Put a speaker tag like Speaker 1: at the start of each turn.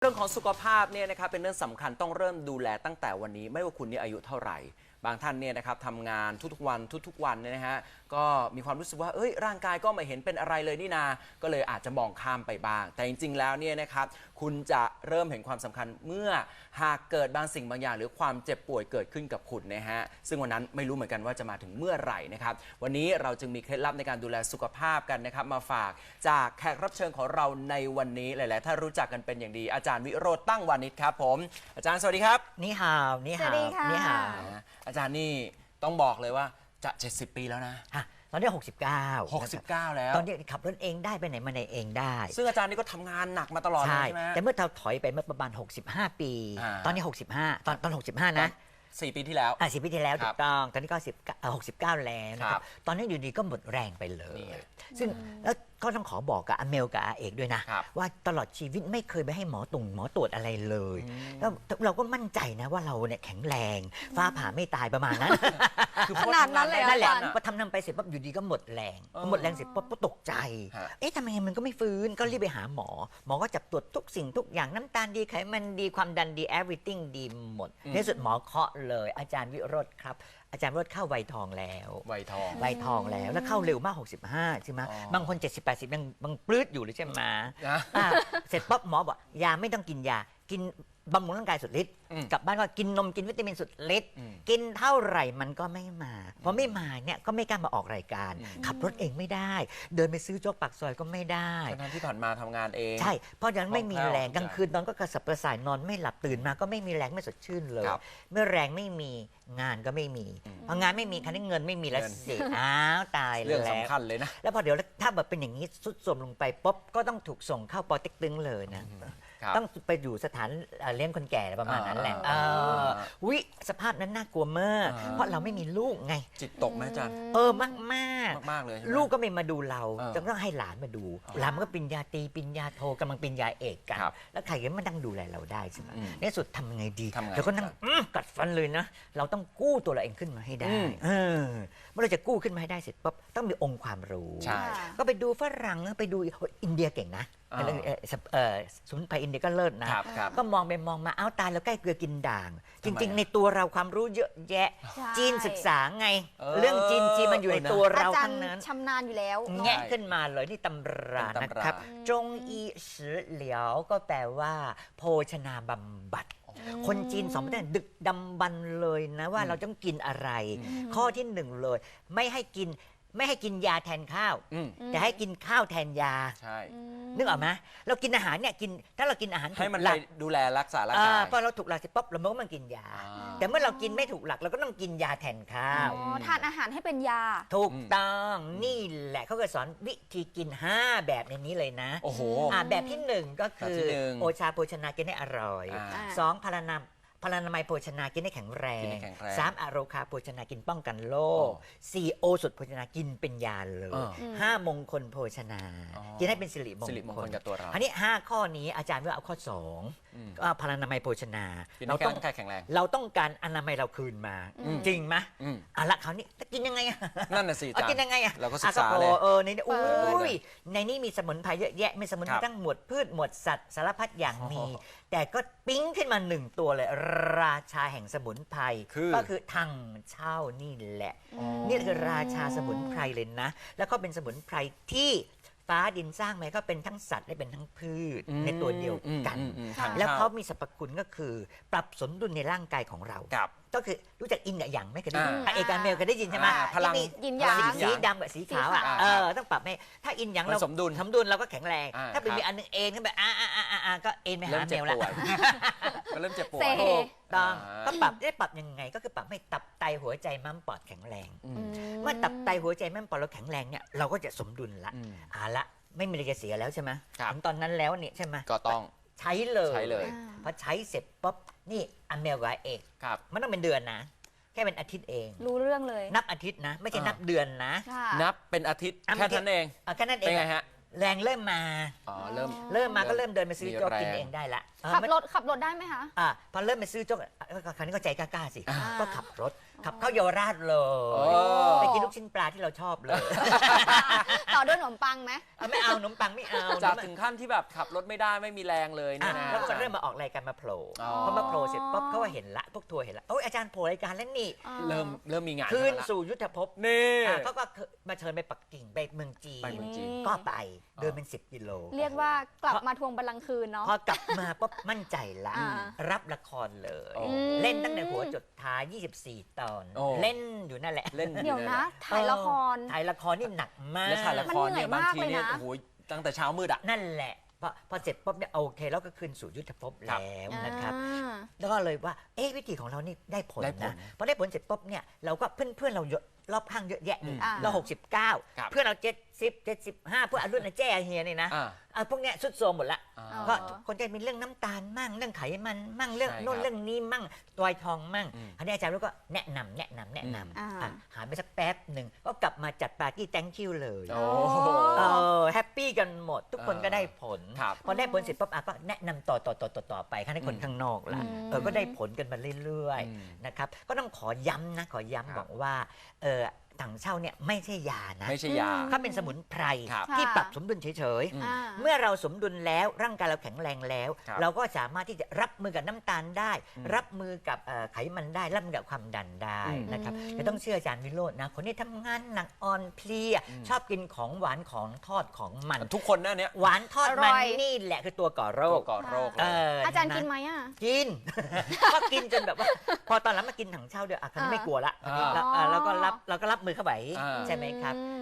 Speaker 1: รื่องของสุขภาพเนี่ยนะครับเป็นเรื่องสำคัญต้องเริ่มดูแลตั้งแต่วันนี้ไม่ว่าคุณนี่อายุเท่าไหร่บางท่านเนี่ยนะครับทำงานทุกๆวันเนี่ยนะฮะก็มีความรู้สึกว่าร่างกายก็ไม่เห็นเป็นอะไรเลยนี่นาก็เลยอาจจะมองข้ามไปบ้างแต่จริงๆแล้วเนี่ยนะครับคุณจะเริ่มเห็นความสำคัญเมื่อหากเกิดบางสิ่งบางอย่างหรือความเจ็บป่วยเกิดขึ้นกับคุณนะฮะซึ่งวันนั้นไม่รู้เหมือนกันว่าจะมาถึงเมื่อไหร่นะครับวันนี้เราจึงมีเคล็ดลับในการดูแลสุขภาพกันนะครับมาฝากจากแขกรับเชิญของเราในวันนี้หลายๆถ้ารู้จักกันเป็นอย่างดีอาจารย์วิโรจน์ตั้งวานิชครับผมอาจารย์สวัสดีครับ
Speaker 2: นี่ฮาวนี่ฮาวนี่ฮาว
Speaker 1: อาจารย์นี่ต้องบอกเลยว่าจะ70 ปีแล้วนะ
Speaker 2: ตอนนี้69
Speaker 1: แล้ว
Speaker 2: ตอนนี้ขับรถเองได้ไปไหนมาไหนเองได้
Speaker 1: ซึ่งอาจารย์นี่ก็ทำงานหนักมาตลอดใช่ไหม
Speaker 2: แต่เมื่อเราถอยไปเมื่อประมาณ65 ปีตอนนี้65ตอน65นะ
Speaker 1: 4 ปีที่แล้ว
Speaker 2: 4 ปีที่แล้วถูกต้องตอนนี้ก็69แล้วนะครับตอนนี้อยู่ดีก็หมดแรงไปเลยซึ่งแล้วก็ต้องขอบอกกับอเมลกับอาเอกด้วยนะว่าตลอดชีวิตไม่เคยไปให้หมอตรวจอะไรเลยแล้วเราก็มั่นใจนะว่าเราเนี่ยแข็งแรงฟ้าผ่าไม่ตายประมาณนั้น
Speaker 3: ขนาดนั้นเลย
Speaker 2: นั่นแหละพอทำไปเสร็จปั๊บอยู่ดีก็หมดแรงเสร็จปั๊บก็ตกใจทำไมมันก็ไม่ฟื้นก็รีบไปหาหมอก็จับตรวจทุกสิ่งทุกอย่างน้ำตาลดีไขมันดีความดันดี everything ดีหมดในสุดหมอเคาะเลยอาจารย์วิโรจน์ครับอาจารย์วิโรจน์เข้าวัยทองแล้ว
Speaker 1: วัยท
Speaker 2: องแล้วเข้าเร็วมาก65ใช่ไหมบางคน70-80ยังบางปลื้ดอยู่เลยใช่ไหมเสร็จปั๊บหมอบอกยาไม่ต้องกินยากินบำรุงร่างกายสุดฤทธิ์กลับบ้านก็กินนมกินวิตามินสุดฤทธิ์กินเท่าไหร่มันก็ไม่มาพอไม่มาเนี่ยก็ไม่กล้ามาออกรายการขับรถเองไม่ได้เดินไปซื้อโจ๊กปากซอยก็ไม่ได้
Speaker 1: ทั้งที่ผ่านมาทำงานเอง
Speaker 2: ใช่เพราะฉะนั้นไม่มีแรงกลางคืนนอนก็กระสับกระส่ายนอนไม่หลับตื่นมาก็ไม่มีแรงไม่สดชื่นเลยเมื่อแรงไม่มีงานก็ไม่มีพองานไม่มีคันนี้เงินไม่มีแล้วเสียตายแล้ว
Speaker 1: เรื่องสำคัญเลยนะ
Speaker 2: แล้วพอเดี๋ยวถ้าแบบเป็นอย่างนี้สุดโทรมลงไปปุ๊บก็ต้องถูกส่งเข้าปอเต็กตึงเลยนะต้องไปอยู่สถานเลี้ยงคนแก่ประมาณนั้นแหละวิสภาพนั้นน่ากลัวมากเพราะเราไม่มีลูกไง
Speaker 1: จิตตกไหมอาจารย์
Speaker 2: มาก
Speaker 1: เลย
Speaker 2: ลูกก็ไม่มาดูเราต้องให้หลานมาดูหลานมันก็ปริญญาตรีปริญญาโทกำลังปริญญาเอกกันแล้วใครก็มานั่งดูแลเราได้ใช่ไหมในสุดทำไงดีเราก็นั่งกัดฟันเลยนะเราต้องกู้ตัวเราเองขึ้นมาให้ได้เมื่อเราจะกู้ขึ้นมาให้ได้เสร็จปั๊บต้องมีองค์ความรู้ก็ไปดูฝรั่งไปดูอินเดียเก่งนะสมุนไพรอินเดียก็เลิศนะก็มองไปมองมาตายแล้วใกล้เกลือกินด่างจริงๆในตัวเราความรู้เยอะแยะจีนศึกษาไงเรื่องจีนมันอยู่ในตัวเราทั้งนั้น
Speaker 3: ชำนาญอยู่แล้ว
Speaker 2: แงะขึ้นมาเลยนี่ตำรานะครับจงอีสือเหลียวก็แปลว่าโภชนาบำบัดคนจีน2 ประเทศดึกดำบรรพ์เลยนะว่าเราต้องกินอะไรข้อที่1เลยไม่ให้กินยาแทนข้าวแต่ให้กินข้าวแทนยา
Speaker 1: ใช่
Speaker 2: นึกออกไหมเรากินอาหารเนี่ยถ้าเรากินอาหาร
Speaker 1: ให้มันไปดูแลรักษาร่างกาย
Speaker 2: พอเราถูกหลักเสร็จปุ๊บเราก็มันกินยาแต่เมื่อเรากินไม่ถูกหลักเราก็ต้องกินยาแทนข้าว
Speaker 3: ทานอาหารให้เป็นยา
Speaker 2: ถูกต้องนี่แหละเขาก็สอนวิธีกิน5แบบในนี้เลยนะ
Speaker 1: โอ้โห
Speaker 2: แบบที่1ก็คือโอชาโภชนากินให้อร่อย2พลานามัยโภชนากินให้แข็งแรง3อโรคาโภชนากินป้องกันโรค4โอสถโภชนากินเป็นยาเลย5มงคลโภชนากินให้เป็นสิริมงคล
Speaker 1: กับตัวเรา
Speaker 2: อันนี้5ข้อนี้อาจารย์ว่าเอาข้อ2ก็พลานามัยโภชนา
Speaker 1: เราต้องแข็งแรง
Speaker 2: เราต้องการอนามัยเราคืนมาจริงไหมละคราวนี้จะกินยังไง
Speaker 1: นั่นน่ะสิ
Speaker 2: กินยังไง
Speaker 1: เราก็ศึกษาเลย
Speaker 2: ในนี้มีสมุนไพรเยอะแยะมีสมุนไพรทั้งหมวดพืชหมวดสัตว์สารพัดอย่างมีแต่ก็ปิ๊งขึ้นมา1ตัวเลยราชาแห่งสมุนไพรก็คือถังเช่านี่แหละนี่คือราชาสมุนไพรเลยนะแล้วก็เป็นสมุนไพรที่ฟ้าดินสร้างไหมก็เป็นทั้งสัตว์และเป็นทั้งพืชในตัวเดียวกันแล้วเขามีสรรพคุณก็คือปรับสมดุลในร่างกายของเราก็คือรู้จักอินกับหยางไหมเคยได้ยินเอกาเมลเคยได้ยินใช่ไหม
Speaker 1: พลัง
Speaker 3: ยินหยาง
Speaker 2: สีดำกับสีขาวต้องปรับให้ถ้าอินหยางเราสมดุลเราก็แข็งแรงถ้าเป็นมีอันนึงเองก็แบบก็เอ็นไปหาเมลแล้ว
Speaker 1: ก็เริ่มเจ็บปวด
Speaker 2: ต้องก็ปรับยังไงก็คือปรับให้ตับไตหัวใจม้ามปอดแข็งแรงเมื่อตับไตหัวใจม้ามปอดเราแข็งแรงเนี่ยเราก็จะสมดุลละไม่มีอะไรจะเสียแล้วใช่ไหมถึงตอนนั้นแล้วเนี่ยใช่ไหม
Speaker 1: ก็ต้อง
Speaker 2: ใช้เลยพอใช้เสร็จปุ๊บนี่อเมลกับเอกมันต้องเป็นเดือนนะแค่เป็นอาทิตย์เอง
Speaker 3: รู้เรื่องเลย
Speaker 2: นับอาทิตย์นะไม่ใช่นับเดือนนะ
Speaker 1: นับเป็นอาทิตย์แค่นั้นเอง
Speaker 2: แค่นั้นเอง
Speaker 1: เป็นไงฮะ
Speaker 2: แรงเริ่มมา
Speaker 1: อ๋อ
Speaker 2: เริ่มมาก็เริ่มเดินไปซื้อโจ๊ก
Speaker 1: มีแรง
Speaker 2: กินเองได้ละ
Speaker 3: ขับรถได้ไหมคะ
Speaker 2: พอเริ่มไปซื้อโจ๊กคราวนี้ก็ใจกล้าๆสิ
Speaker 3: อ่า
Speaker 2: ก็ขับรถขับเข้าเยาวราชเล
Speaker 1: โอ้
Speaker 2: ยไปกินลูกชิ้นปลาที่เราชอบเลย
Speaker 3: ต่อด้วยขนมปังไหม
Speaker 2: ไม่เอาขนมปังไม่เอา
Speaker 1: จากถึงขั้นที่แบบขับรถไม่ได้ไม่มีแรงเลยเนี่ยนะ
Speaker 2: แล้วก็เริ่มมาออกรายการมาโผล่
Speaker 1: อ๋อ
Speaker 2: พอมาโผล่เสร็จปุ๊บเขาก็เห็นละพวกทัวร์เห็นละโอ้ยอาจารย์โผล่รายการแล้วนี่
Speaker 1: เริ่มมีงาน
Speaker 2: คืน
Speaker 1: เข้ามาละ
Speaker 2: สู่ยุทธภพ
Speaker 1: นี่
Speaker 2: เขาก็มาเชิญไปปักกิ่งไปเมืองจีน
Speaker 1: ไปเมืองจีน
Speaker 2: ก็ไปเดินเป็น10 กิโล
Speaker 3: เรียกว่ากลับมาทวงบัลลังก์คืนเนาะ
Speaker 2: พอกลับมาปุ๊บมั่นใจละ
Speaker 3: อ่า
Speaker 2: รับละครเลย
Speaker 1: โอ้
Speaker 2: เล่นตั้งแต่หัวจดท้าย 24 ตอน
Speaker 1: โอ้
Speaker 2: เล่นอยู่นั่นแหละ
Speaker 1: เล่น
Speaker 3: เดี๋ยวนะ ถ่ายละคร
Speaker 2: ถ่ายละครนี่หนักมาก
Speaker 1: แล้วถ่ายละครเนี่ย
Speaker 3: มัน
Speaker 1: บาง
Speaker 3: เหนื่อยมาก
Speaker 1: ทีเนี่ย
Speaker 3: เลยนะ
Speaker 1: โอ้โหตั้งแต่เช้ามืดอ่ะ
Speaker 2: นั่นแหละพอเสร็จปุ๊บเนี่ยโอเคแล้วก็คืนสู่ยุทธภพ
Speaker 1: ครับ
Speaker 2: แล้วนะครับ
Speaker 3: อ่า
Speaker 2: แล้วก็เลยว่าวิธีของเรานี่ได้ผล
Speaker 1: ได้ผล
Speaker 2: นะพอได้ผลเสร็จปุ๊บเนี่ยเราก็เพื่อนเราเยอะรอบข้างเยอะแยะเลย
Speaker 3: อ่า
Speaker 2: เรา
Speaker 1: ครับ
Speaker 2: 69 เพื่อนเรา70 75เพื่อนรุ่นอาแจ้เฮียนี่นะ พวกเนี้ยสุดโทรมหมดละ
Speaker 1: อ่า
Speaker 2: ก็คนจะมีเรื่องน้ำตาลมั่งเรื่องไขมันมั่งเรื่อง
Speaker 1: ใช่
Speaker 2: โน่น
Speaker 1: ครับ
Speaker 2: เรื่องนี้มั่งตัวทองมั่ง
Speaker 1: อืม
Speaker 2: อันนี้อาจารย์รู้ก็แนะนำ
Speaker 3: อ่า
Speaker 2: หายไปสักแป๊บหนึ่งก็กลับมาจัดปาร์ตี้ thank you เลย
Speaker 1: โอ้
Speaker 2: แฮปปี้กันหมด ทุกคนก็ได้ผล
Speaker 1: ครับ
Speaker 2: พอได้ผลเสร็จปุ๊บก็แนะนำต่อไปให้คนข้างนอกละ ก็ได้ผลกันมาเรื่อย
Speaker 1: อืม
Speaker 2: ๆนะครับก็ต้องขอย้ำ
Speaker 1: ครับ
Speaker 2: บอกว่าถังเช่าเนี่ยไม่ใช่ยานะ
Speaker 1: ไม่ใช่ยา
Speaker 2: เขาเป็นสมุนไพร
Speaker 1: ครับ
Speaker 2: ที่
Speaker 3: ค่ะ
Speaker 2: ปรับสมดุลเฉย
Speaker 1: อืม
Speaker 3: อ่า
Speaker 2: ๆ เมื่อเราสมดุลแล้วร่างกายเราแข็งแรงแล้ว
Speaker 1: ครับ
Speaker 2: เราก็สามารถที่จะรับมือกับน้ำตาลได้
Speaker 1: อืม
Speaker 2: รับมือกับไขมันได้ รับมือกับความดันได้
Speaker 1: อืม
Speaker 2: นะครับ
Speaker 3: อืม
Speaker 2: จะต้องเชื่ออาจารย์วิโรจน์นะคนที่ทำงานหนักอ่อนเพลีย ชอบกินของหวานของทอดของมัน
Speaker 1: ทุกคนนะเนี่ย
Speaker 2: หวานทอด
Speaker 3: อร่
Speaker 2: มัน
Speaker 3: อย
Speaker 2: นี่แหละคือตัวก่อโร
Speaker 1: โร
Speaker 2: ค
Speaker 1: คก่อโรค
Speaker 2: เ
Speaker 1: เลย
Speaker 3: อาจารย์
Speaker 2: เห็
Speaker 3: กิน
Speaker 2: ไหม
Speaker 3: ไหมอ่ะ
Speaker 2: กิน ก็กินจนแบบว่า พอตอนหลังมากินถังเช่าเดียวครั้งนี้ไม่กลัวละ
Speaker 1: อ่า
Speaker 2: เราก็รับมือเข้าไป
Speaker 1: อ่า
Speaker 2: ใช่ไหมครับ
Speaker 3: อืม